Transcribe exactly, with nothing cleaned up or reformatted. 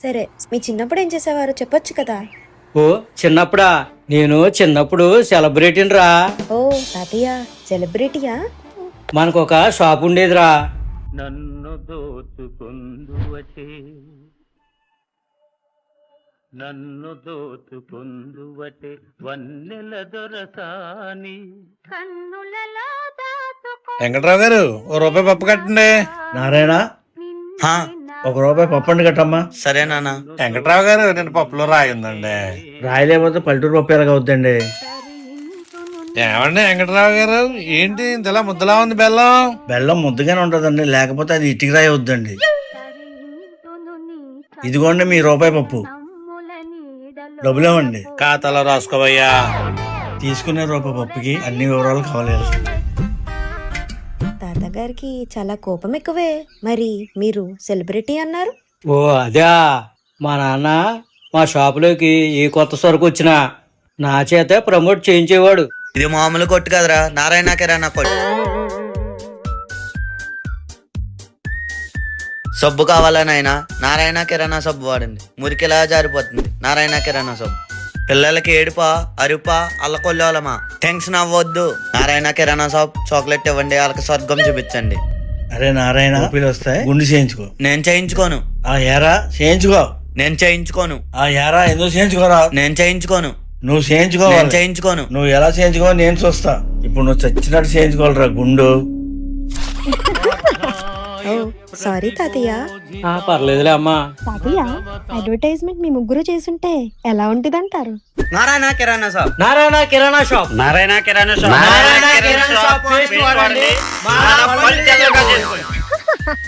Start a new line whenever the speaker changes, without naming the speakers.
సరే మీ చిన్నప్పుడు ఏం చేసేవారో చెప్పొచ్చు కదా.
ఓ చిన్నప్పుడా? నేను చిన్నప్పుడు సెలబ్రిటీని రా.
ఓ తాతయ్య సెలబ్రిటీయా?
మనకు ఒక షాప్ ఉండేదిరా.
నన్ను దోచుకుందువటే నన్ను దోచుకుందువటే వన్నెల దొరసాని
వెంకట్రావు గారు ఓ రూపాయి పప్పు కట్టండి.
నారాయణ ఒక రూపాయి పప్పండి కట్టమ్మా.
సరే నాన్న.
వెంకట్రావు గారు నేను పప్పులో రాయి ఉందండి.
రాయలేకపోతే పల్లెటూరు పప్పు ఎలాగ అవుద్దండి?
ఏమండి వెంకట్రావు గారు, ఏంటి ఇంతలా ముద్దలా ఉంది బెల్లం?
బెల్లం ముద్దగానే ఉంటదండి, లేకపోతే అది ఇటుకి రాయి అవుద్దండి. ఇదిగోండి మీ రూపాయి పప్పు. డబ్బులు ఇవ్వండి.
ఖాతాలో రాసుకోవయ్యా.
తీసుకునే రూపాయి పప్పుకి అన్ని వివరాలు కావాలి.
తాతగారికి చాలా కోపం ఎక్కువే. మరి మీరు సెలబ్రిటీ అన్నారు?
ఓ అదా, మా నాన్న మా షాపులోకి ఏ కొత్త సరుకు వచ్చినా నా చేత ప్రమోట్ చేయించేవాడు.
ఇది మామూలు కొట్టు కదరా, నారాయణ కిరాణా కొట్టు. సబ్బు కావాలా నాయనా? నారాయణ కిరాణా సబ్బు వాడండి. మురికిలా జారిపోతుంది. నారాయణ కిరాణా సబ్బు. పిల్లలకి ఏడుపా అరుపా అల్లకొల్లోలమా టెన్షన్ అవ్వద్దు. నారాయణ కిరాణా షాప్ చాక్లెట్ ఇవ్వండి, వాళ్ళకి స్వర్గం చూపించండి.
అరే నారాయణ, పప్పులు వస్తాయి, గుండు చేయించుకో.
నేను చేయించుకోను.
ఆ ఏరా చేయించుకో.
నేను చేయించుకోను.
ఆ ఏరా ఎందుకు చేయించుకోరా?
నేను చేయించుకోను.
నువ్వు చేయించుకో.
నేను చేయించుకోను.
నువ్వు ఎలా చేయించుకో నేను చూస్తా. ఇప్పుడు నువ్వు చచ్చినట్టు చేయించుకోవాలరా గుండు.
ఓ సారీ తాతయ్య.
ఆ పర్లేదులే అమ్మా.
తాతయ్య అడ్వర్టైజ్మెంట్ మీ ముగ్గురు చేసుంటే ఎలా ఉంటుందంటారు?
Narayana Kirana shop.
Narayana Kirana shop.
Narayana Kirana shop.
Narayana Kirana shop paste వాడండి. మా పళ్ళు తెల్లగా చేసుకోండి.